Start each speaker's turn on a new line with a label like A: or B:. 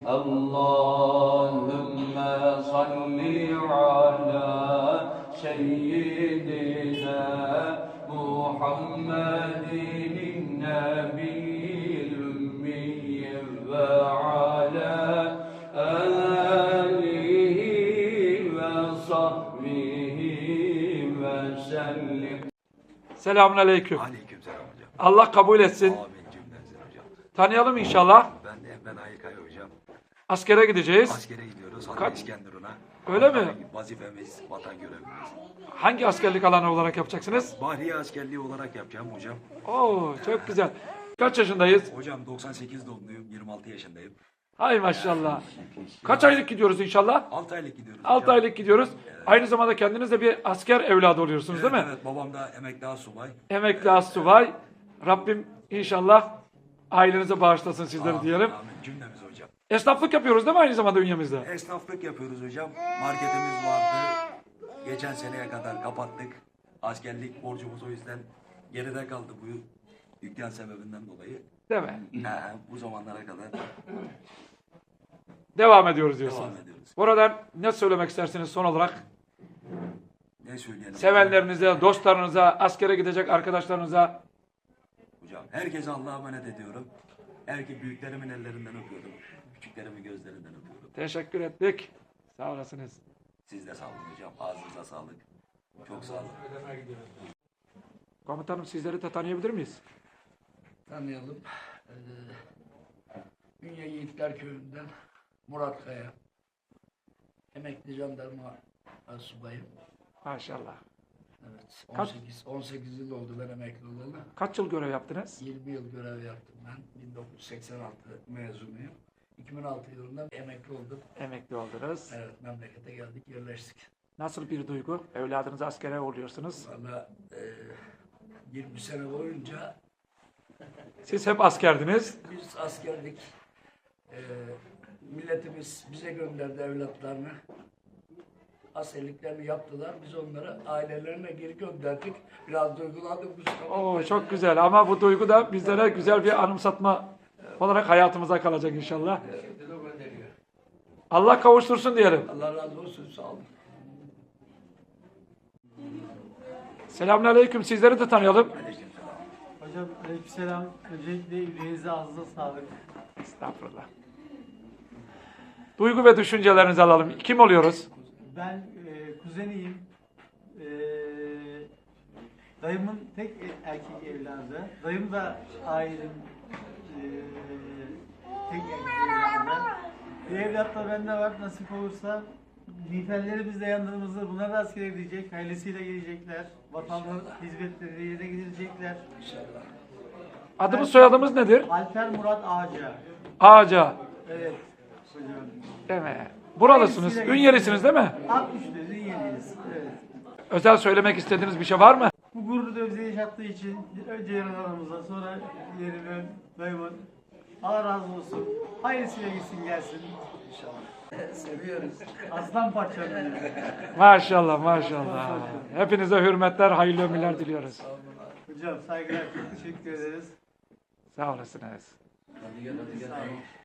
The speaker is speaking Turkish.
A: Allahümme salli ala seyyidina Muhammedin nebiyyil ümmiyyi ve ala alihi ve sahbihi ve sellim.
B: Selamun aleyküm.
C: Aleykümselam hocam.
B: Allah kabul etsin.
C: Amin cümlemizi hocam.
B: Tanıyalım inşallah.
C: Ben Aykaya hocam.
B: Askere gideceğiz.
C: Askere gidiyoruz. Hatta İskenderun'a.
B: Öyle mi?
C: Vazifemiz, vatan görevimiz.
B: Hangi askerlik alanı olarak yapacaksınız?
C: Bahriye askerliği olarak yapacağım hocam.
B: Oo, çok güzel. Kaç yaşındayız?
C: Hocam 98 doğumluyum. 26 yaşındayım.
B: Hay maşallah. Kaç aylık gidiyoruz inşallah?
C: 6 aylık gidiyoruz
B: 6
C: hocam.
B: aylık gidiyoruz. Aynı zamanda kendiniz de bir asker evladı oluyorsunuz değil mi?
C: Evet, babam da emekli asubay.
B: Emekli astsubay. Rabbim inşallah ailenize bağışlasın sizleri diyelim.
C: Amin cümlemiz hocam.
B: Esnaflık yapıyoruz değil mi aynı zamanda ünyemizde?
C: Esnaflık yapıyoruz hocam. Marketimiz vardı. Geçen seneye kadar kapattık. Askerlik borcumuz o yüzden geride kaldı bu dükkan sebebinden dolayı.
B: Değil mi?
C: Bu zamanlara kadar
B: Devam ediyoruz diyorsun.
C: devam ediyoruz.
B: Buradan ne söylemek istersiniz son olarak?
C: Ne söyleyelim?
B: Sevenlerinize, dostlarınıza, askere gidecek arkadaşlarınıza.
C: Hocam herkese Allah'a emanet ediyorum. Büyüklerimin ellerinden öpüyorum. Küçüklerimin gözlerinden öpüyorum.
B: Teşekkür ettik. Sağ olasınız.
C: Siz de sağ olun hocam. Ağzınıza sağlık. Çok sağ olun.
B: Komutanım sizleri de tanıyabilir miyiz?
D: Tanıyalım. Ünye Yiğitler Köyü'nden Murat Kaya. Emekli jandarma asubayım.
B: Maşallah.
D: Evet.
B: Kaç-
D: 18 yıl oldu ben emekli olalı.
B: Kaç yıl görev yaptınız?
D: 20 yıl görev yaptım ben. 1986 mezunuyum. 2006 yılında emekli oldum.
B: Emekli oldunuz.
D: Evet, memlekete geldik, yerleştik.
B: Nasıl bir duygu? Evladınızı askere oluyorsunuz.
D: Valla 20 sene boyunca
B: Siz hep askerdiniz.
D: biz askerdik. Milletimiz bize gönderdi evlatlarını. Askerliklerini yaptılar. Biz onları ailelerine geri gönderdik. Biraz duygulandık Mustafa.
B: Oo, çok güzel ama bu duygu da bizlere güzel bir anımsatma olarak hayatımıza kalacak inşallah. Allah kavuştursun diyelim.
D: Allah razı olsun. Sağ olun.
B: Selamünaleyküm. Sizleri de tanıyalım.
E: Hocam aleykümselam. Öncelikle yüreğinize ağzınıza sağlık.
B: Estağfurullah. Duygu ve düşüncelerinizi alalım. Kim oluyoruz?
E: Ben kuzeniyim. Dayımın tek erkek evladı. Dayım da ailenin tek erkek evladı. Bir evlat da bende var. Nasip olursa nifellerimiz de yanlarımızda. Bunlar da askere gidecek. Ailesiyle gelecekler. Vatandaş hizmetleri yerine gidecekler.
D: İnşallah.
B: Adımız soyadımız nedir?
E: Alper Murat Ağaca.
B: Ağaca.
E: Evet. Hocam.
B: Değil mi? Buralısınız. Ünyelisiniz değil mi?
E: 60'lı yeniyiz. Evet.
B: Özel söylemek istediğiniz bir şey var mı?
E: Bu gururu da bize yaşattığı için önce yaralarımıza sonra yerime dayımın Allah razı olsun. Hayırlısıyla gitsin gelsin.
D: Seviyoruz.
E: Aslan parçam benim.
B: Maşallah maşallah. Hepinize hürmetler, hayırlı ömürler diliyoruz.
E: Hocam saygılar, teşekkür ederiz.
B: Sağ olasınız.
D: Hadi gel, hadi gel.
E: Sağ olun.